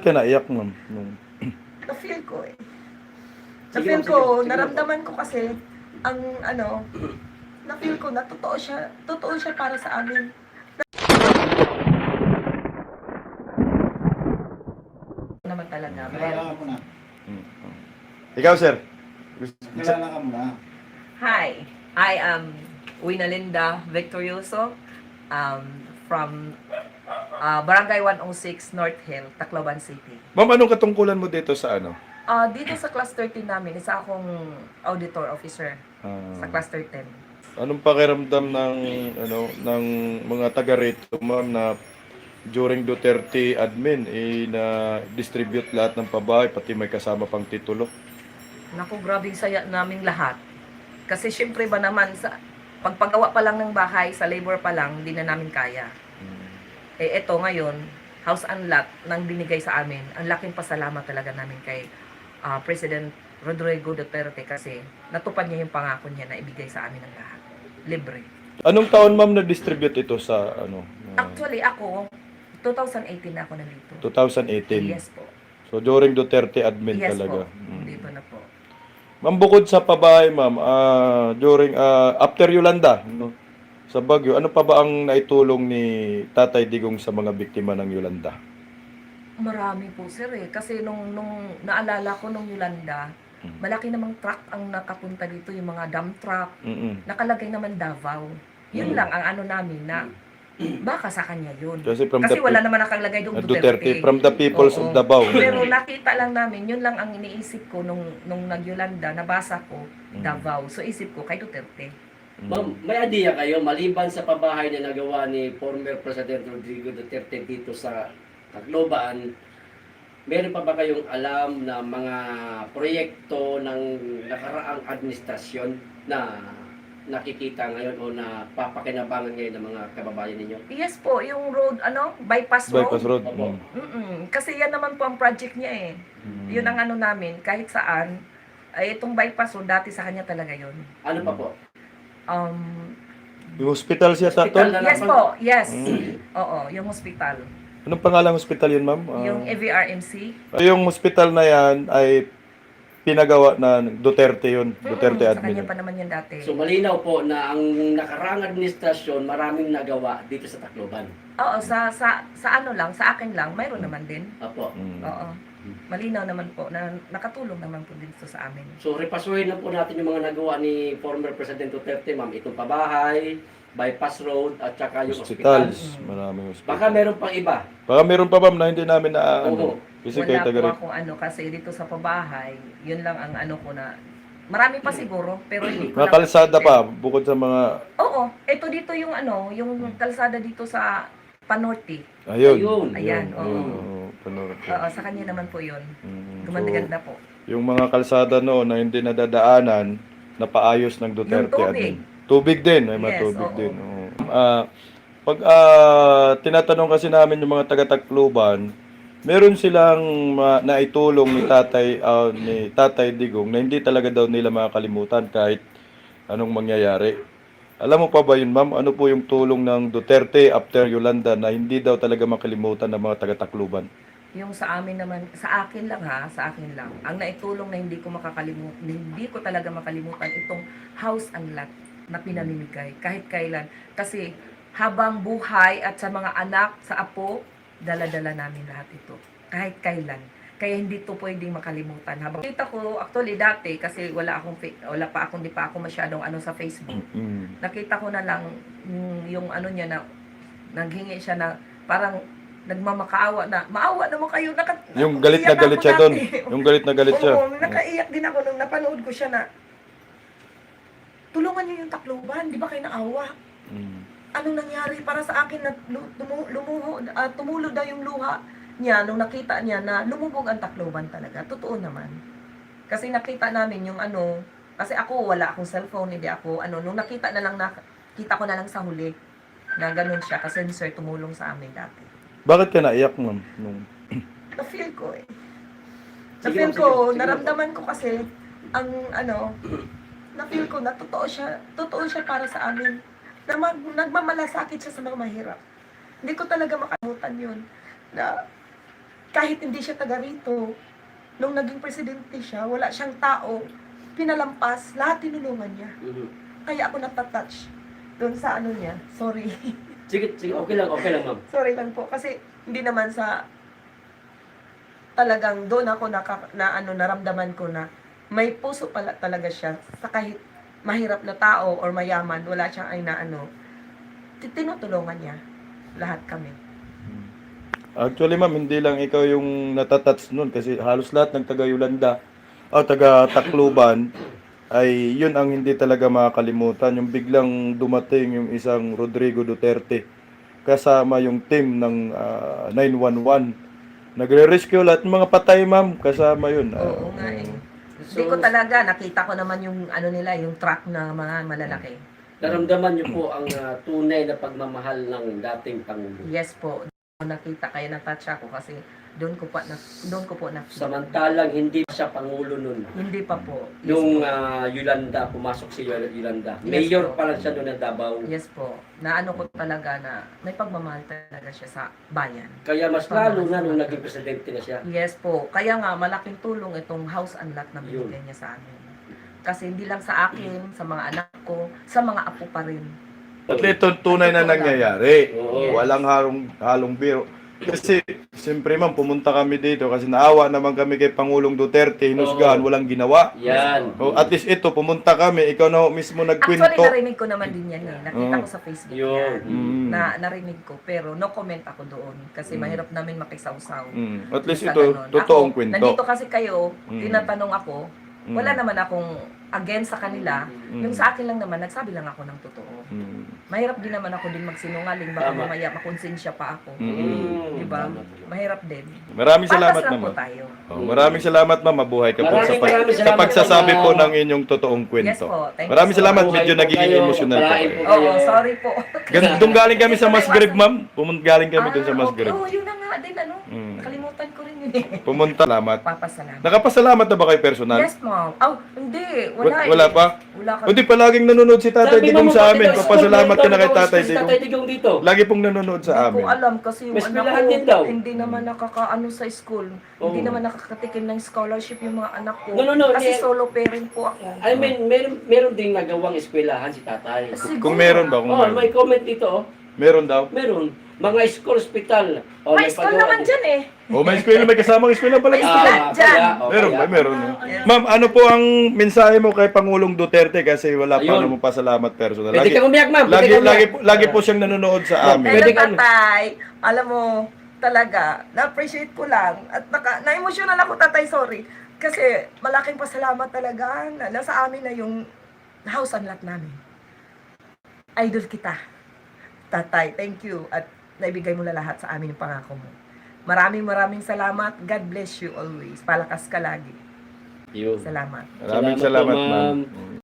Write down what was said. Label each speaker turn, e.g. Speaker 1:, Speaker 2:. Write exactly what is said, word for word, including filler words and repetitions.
Speaker 1: ka naiyak, ma'am? Nung...
Speaker 2: Na-feel ko eh.
Speaker 3: Sige,
Speaker 2: Na-feel
Speaker 3: ma'am,
Speaker 2: ko,
Speaker 3: sige, sige,
Speaker 2: naramdaman ko kasi, ang ano, na-feel ko na totoo siya, totoo siya para sa amin. Naman talaga.
Speaker 4: Kilala ka muna.
Speaker 1: Ikaw, sir?
Speaker 4: Kilala ka muna.
Speaker 2: Hi, I am Winalinda Victorioso um, from uh, Barangay one oh six North Hill, Tacloban City.
Speaker 1: Ma'am, anong katungkulan mo dito sa ano?
Speaker 2: Uh, dito sa Class thirteen namin, isa akong auditor officer
Speaker 1: Ah,
Speaker 2: sa Class thirteen.
Speaker 1: anong pakiramdam ng ano ng mga taga rito, ma'am, na during Duterte admin eh na distribute lahat ng pabahay pati may kasama pang titulo?
Speaker 2: Naku, grabing saya naming lahat. Kasi syempre ba naman, sa pagpagawa pa lang ng bahay, sa labor pa lang, hindi na namin kaya. Eh eto ngayon, house and lot nang binigay sa amin. Ang laking pasalamat talaga namin kay uh, President Rodrigo Duterte kasi natupad niya yung pangako niya na ibigay sa amin ang lahat. Libre.
Speaker 1: Anong taon, ma'am, na-distribute ito sa ano? uh,
Speaker 2: Actually ako, twenty eighteen na ako nandito.
Speaker 1: twenty eighteen.
Speaker 2: Yes po.
Speaker 1: So during Duterte admin
Speaker 2: Yes
Speaker 1: talaga.
Speaker 2: po.
Speaker 1: Mm.
Speaker 2: Dito na po.
Speaker 1: Ma'am, bukod sa pabahay, ma'am, ah, during ah, after Yolanda, no, sa Baguio, ano pa ba ang naitulong ni Tatay Digong sa mga biktima ng Yolanda?
Speaker 2: Marami po sir eh. Kasi nung, nung naalala ko nung Yolanda,
Speaker 1: Mm.
Speaker 2: malaki namang truck ang nakapunta dito, yung mga dump truck.
Speaker 1: Mm-mm.
Speaker 2: Nakalagay naman Davao. Yun
Speaker 1: Mm.
Speaker 2: lang ang ano namin na baka sa kanya yun.
Speaker 1: Kasi from
Speaker 2: Kasi
Speaker 1: the
Speaker 2: wala naman nakalagay doon
Speaker 1: uh, Duterte,
Speaker 2: Duterte.
Speaker 1: from the peoples
Speaker 2: Oo.
Speaker 1: of Davao.
Speaker 2: Pero nakita lang namin, yun lang ang iniisip ko nung, nung nag-Yolanda, nabasa ko,
Speaker 1: Mm.
Speaker 2: Davao. So isip ko kay Duterte.
Speaker 1: Mm.
Speaker 3: Ma'am, may idea kayo, maliban sa pabahay na nagawa ni former President Rodrigo Duterte dito sa Tacloban, meron pa ba kayong alam na mga proyekto ng nakaraang administrasyon na nakikita ngayon o na papakinabangan ngayon ng mga kababayan ninyo?
Speaker 2: Yes po, yung road, ano, bypass road.
Speaker 1: Bypass Road.
Speaker 3: Opo.
Speaker 1: Mm.
Speaker 2: Mm-mm. Kasi yan naman po ang project niya eh.
Speaker 1: Mm.
Speaker 2: Yun ang ano namin, kahit saan, ay itong bypass road, dati sa kanya talaga yun.
Speaker 3: Ano pa po?
Speaker 2: Um,
Speaker 1: Yung hospital siya sa
Speaker 3: Hospital
Speaker 1: tol?
Speaker 3: na-
Speaker 2: yes po, yes.
Speaker 1: Mm.
Speaker 2: Oo, yung hospital.
Speaker 1: Anong pangalang hospital yun, ma'am? Ah,
Speaker 2: Yung A V R M C.
Speaker 1: yung hospital na yan ay pinagawa na Duterte yun. Duterte
Speaker 2: Mm, sa kanya
Speaker 1: admin.
Speaker 2: pa naman yan dati.
Speaker 3: So malinaw po na ang nakaraang administrasyon maraming nagawa dito sa Tacloban.
Speaker 2: Oo, sa, sa, sa ano lang, sa akin lang, mayroon naman din.
Speaker 3: Apo.
Speaker 1: Mm.
Speaker 2: Oo. Malinaw naman po na nakatulong naman po dito sa amin.
Speaker 3: So repasuhin na po natin yung mga nagawa ni former President Duterte, ma'am. Itong pabahay, bypass road, at saka yung hospital.
Speaker 1: Hospitals. Maraming hospital.
Speaker 3: Baka meron pang iba.
Speaker 1: Baka meron pa, ma'am, na hindi namin na
Speaker 3: Oo.
Speaker 1: ano. Kasi kayo
Speaker 2: Wala
Speaker 1: taga
Speaker 2: po akong ano, kasi dito sa pabahay, yun lang ang ano ko na, marami pa siguro, pero hindi ko
Speaker 1: Mga kalsada pa, bukod sa mga...
Speaker 2: Oo, ito dito yung ano, yung kalsada dito sa Panorte.
Speaker 1: Ayun.
Speaker 3: Ayun.
Speaker 2: Ayan, oo.
Speaker 1: oo, panoorin ko.
Speaker 2: Oo, sa kanya naman po yun.
Speaker 1: Mm,
Speaker 2: Gumanda-ganda po.
Speaker 1: yung mga kalsada noon na hindi nadadaanan, napaayos ng Duterte.
Speaker 2: Yung tubig.
Speaker 1: admin. Tubig din, may mga
Speaker 2: Yes,
Speaker 1: tubig
Speaker 2: oo.
Speaker 1: din. oo. Ah, pag ah, tinatanong kasi namin yung mga taga-Tacloban, meron silang ma- naitulong ni Tatay ah, ni Tatay Digong na hindi talaga daw nila makakalimutan kahit anong mangyayari. Alam mo pa ba yun, ma'am? Ano po yung tulong ng Duterte after Yolanda na hindi daw talaga makalimutan ng mga taga-Tacloban?
Speaker 2: Yung sa amin naman, sa akin lang ha, sa akin lang. Ang naitulong na hindi ko makakalimutan, hindi ko talaga makalimutan itong house and lot na pinamimigay kahit kailan. Kasi habang buhay at sa mga anak, sa apo, dala-dala namin lahat ito. Kahit kailan. Kaya hindi to pwedeng makalimutan. Habang kita ko, actually dati, kasi wala akong, fa- wala pa akong, di pa ako masyadong ano sa Facebook.
Speaker 1: Mm.
Speaker 2: Nakita ko na lang mm, yung ano niya na, naghingi siya na, parang nagmamakaawa na, maawa naman kayo. Naka,
Speaker 1: Yung galit na
Speaker 2: iyak
Speaker 1: galit
Speaker 2: ako
Speaker 1: siya doon.
Speaker 2: dati.
Speaker 1: Yung galit na galit siya.
Speaker 2: Oo, nakaiyak din ako nung napanood ko siya na, tulungan niyo yung Tacloban, di ba kayo naawa?
Speaker 1: Mm.
Speaker 2: Anong nangyari para sa akin na lu- tumu- lumuho, ah, tumulo daw yung luha niya nung nakita niya na lumubog ang Tacloban talaga. Totoo naman. Kasi nakita namin yung ano, kasi ako wala akong cellphone, hindi ako, ano, nung nakita na lang, na, kita ko na lang sa huli na ganun siya kasi ni Sir tumulong sa amin dati.
Speaker 1: Bakit ka naiyak, ma'am? Nung...
Speaker 2: Na-feel ko eh.
Speaker 3: Sige,
Speaker 2: Na-feel
Speaker 3: ma'am,
Speaker 2: ko,
Speaker 3: sige, sige,
Speaker 2: naramdaman ko kasi, ang ano, na-feel ko na totoo siya, totoo siya para sa amin. Na mag, nagmamalasakit siya sa mga mahirap. Hindi ko talaga makalimutan yun. Na kahit hindi siya taga rito, nung naging presidente siya, wala siyang tao, pinalampas, lahat tinulungan niya.
Speaker 3: Mhm.
Speaker 2: Kaya ako natatouch doon sa ano niya. Sorry.
Speaker 3: Sige, sige, okay lang, okay lang, ma'am.
Speaker 2: Sorry lang po. Kasi hindi naman sa talagang doon ako naka, na ano, naramdaman ko na may puso pala talaga siya sa kahit mahirap na tao or mayaman, wala siyang ay na ano, ti- tinutulungan niya lahat kami.
Speaker 1: Actually, ma'am, hindi lang ikaw yung natatats nun kasi halos lahat ng taga Yolanda o taga Tacloban ay yun ang hindi talaga makakalimutan. Yung biglang dumating yung isang Rodrigo Duterte kasama yung team ng ah, nine one one. Nagre-rescue lahat ng mga patay, ma'am. Kasama yun. Ah,
Speaker 2: Oo nga eh.
Speaker 3: So,
Speaker 2: Hindi ko talaga, nakita ko naman yung ano nila, yung truck na mga malalaki.
Speaker 3: naramdaman niyo po ang ah, tunay na pagmamahal ng dating Pangulo.
Speaker 2: Yes po. Nakita kaya na-touch ako kasi doon ko pa na doon ko po na
Speaker 3: Samantalang hindi pa siya Pangulo nun.
Speaker 2: hindi pa po. Yes
Speaker 3: Nung
Speaker 2: po.
Speaker 3: ah, Yolanda, pumasok si Yol- Yolanda.
Speaker 2: Yes
Speaker 3: Mayor
Speaker 2: po.
Speaker 3: pa lang siya noon ng Davao.
Speaker 2: Yes po. Na ano ko talaga na may pagmamahal talaga siya sa bayan.
Speaker 3: Kaya mas lalo na nung naging presidente na siya.
Speaker 2: Yes po. Kaya nga malaking tulong itong house and lot na binigay niya sa amin. Kasi hindi lang sa akin, sa mga anak ko, sa mga apo pa rin.
Speaker 1: At ito tunay na nangyayari.
Speaker 3: Oo.
Speaker 1: Walang halong, halong biro. Kasi, siyempre ma'am, pumunta kami dito kasi naawa naman kami kay Pangulong Duterte, hinusgahan,
Speaker 3: Oo.
Speaker 1: walang ginawa.
Speaker 3: Yan.
Speaker 1: O, at least ito, pumunta kami, ikaw na ho mismo
Speaker 2: Actually,
Speaker 1: nagkwento.
Speaker 2: narinig ko naman din yan eh. Nakita
Speaker 1: Oo.
Speaker 2: ko sa Facebook
Speaker 3: Yun.
Speaker 2: yan.
Speaker 1: Mm.
Speaker 2: Na narinig ko. Pero no comment ako doon. Kasi
Speaker 1: Mm.
Speaker 2: mahirap namin makisawsaw.
Speaker 1: Mm. At least
Speaker 2: Sa
Speaker 1: ito,
Speaker 2: ganun.
Speaker 1: totoong
Speaker 2: Ako,
Speaker 1: kwento.
Speaker 2: Nandito kasi kayo,
Speaker 1: Mm.
Speaker 2: tinatanong ako,
Speaker 1: Mm.
Speaker 2: wala naman akong against sa kanila.
Speaker 1: Mm.
Speaker 2: Yung sa akin lang naman, nagsabi lang ako ng totoo.
Speaker 1: Mm.
Speaker 2: Mahirap din naman ako din magsinungaling. Baka
Speaker 3: Tama.
Speaker 2: mamaya makonsensya pa ako.
Speaker 1: Mm.
Speaker 2: Diba?
Speaker 3: Tama po.
Speaker 2: Mahirap din.
Speaker 1: Maraming salamat,
Speaker 2: Patas lang po
Speaker 1: ma'am.
Speaker 2: tayo.
Speaker 1: Oh, maraming salamat, ma'am. Mabuhay ka po sa,
Speaker 3: Maraming
Speaker 1: pag-
Speaker 3: maraming
Speaker 1: sa
Speaker 3: salamat,
Speaker 1: pagsasabi
Speaker 3: ma'am.
Speaker 1: po ng inyong totoong
Speaker 2: Yes
Speaker 1: kwento.
Speaker 2: po. Thank
Speaker 1: Maraming
Speaker 2: you so
Speaker 1: salamat.
Speaker 2: much.
Speaker 1: Medyo
Speaker 3: Mabuhay po
Speaker 1: nagiging
Speaker 3: kayo.
Speaker 1: emotional po
Speaker 3: Palain
Speaker 1: kayo.
Speaker 3: po.
Speaker 2: Oo, sorry po.
Speaker 1: Gan- Doon galing kami sa Masgrave, ma'am. Pumunta galing kami doon sa
Speaker 2: Ah,
Speaker 1: Masgrave.
Speaker 2: okay. Oo, yun na nga din ano.
Speaker 1: Mm.
Speaker 2: Nakalimutan ko rin yun eh.
Speaker 1: Pumunta, salamat.
Speaker 2: Papasalamat.
Speaker 1: Nakapasalamat na ba kayo personal?
Speaker 2: Yes, ma'am. Oh, hindi. Wala,
Speaker 1: Wa-
Speaker 2: eh.
Speaker 1: Wala pa?
Speaker 2: Wala ka.
Speaker 1: Hindi, palaging nanonood si Tatay
Speaker 3: Sabi
Speaker 1: Digong
Speaker 3: mo,
Speaker 1: sa
Speaker 3: bakit
Speaker 1: amin.
Speaker 3: daw
Speaker 1: Papasalamat
Speaker 3: school
Speaker 1: ka na kay
Speaker 3: daw,
Speaker 1: Tatay
Speaker 3: school si
Speaker 1: Digong.
Speaker 3: Tatay Digong dito.
Speaker 1: Lagi pong nanonood sa
Speaker 2: Hindi
Speaker 1: amin.
Speaker 2: ko alam kasi yung
Speaker 3: May
Speaker 2: anak
Speaker 3: eskwelahan
Speaker 2: ko,
Speaker 3: din daw.
Speaker 2: hindi naman nakakaano sa school. Hindi
Speaker 3: Oo.
Speaker 2: naman nakakatikim ng scholarship yung mga anak ko.
Speaker 3: No, no, no,
Speaker 2: Kasi
Speaker 3: hindi.
Speaker 2: solo parent po ako.
Speaker 3: I mean, meron, meron ding nagawang eskwelahan si tatay.
Speaker 2: Siguro.
Speaker 1: Kung meron ba? Kung
Speaker 3: Oh,
Speaker 1: meron.
Speaker 3: may comment dito. Oh.
Speaker 1: Meron daw.
Speaker 3: Meron. Mga school hospital. Oh,
Speaker 2: May school
Speaker 3: pagawa
Speaker 2: naman
Speaker 3: din.
Speaker 2: dyan eh.
Speaker 1: O, may eskwela, may kasamang eskwela pala.
Speaker 2: May
Speaker 1: dito.
Speaker 2: eskwela.
Speaker 3: Ah,
Speaker 2: Dyan.
Speaker 3: kaya, oh,
Speaker 1: Meron
Speaker 3: kaya.
Speaker 1: ba? Meron. no?
Speaker 2: Yes.
Speaker 1: Ma'am, ano po ang mensahe mo kay Pangulong Duterte kasi wala pa
Speaker 3: Ayun.
Speaker 1: mo pasalamat personal.
Speaker 3: Pwede
Speaker 1: Lagi,
Speaker 3: kang umiyak, ma'am. Pwede
Speaker 1: lagi,
Speaker 3: kang
Speaker 1: lagi,
Speaker 3: umiyak.
Speaker 1: po, lagi po siyang nanonood sa amin.
Speaker 3: Pwede
Speaker 2: Pwede
Speaker 3: ka-
Speaker 2: tatay, alam mo, talaga, na-appreciate ko lang. At naka, na-emotional ako, tatay, sorry. Kasi malaking pasalamat talaga na nasa amin na yung house and lot namin. Idol kita. Tatay, thank you. At naibigay mo na lahat sa amin yung pangako mo. Maraming maraming salamat. God bless you always. Palakas ka lagi.
Speaker 3: Yun.
Speaker 2: Salamat.
Speaker 1: Maraming
Speaker 3: Salamat po,
Speaker 1: salamat, ma'am.
Speaker 3: ma'am.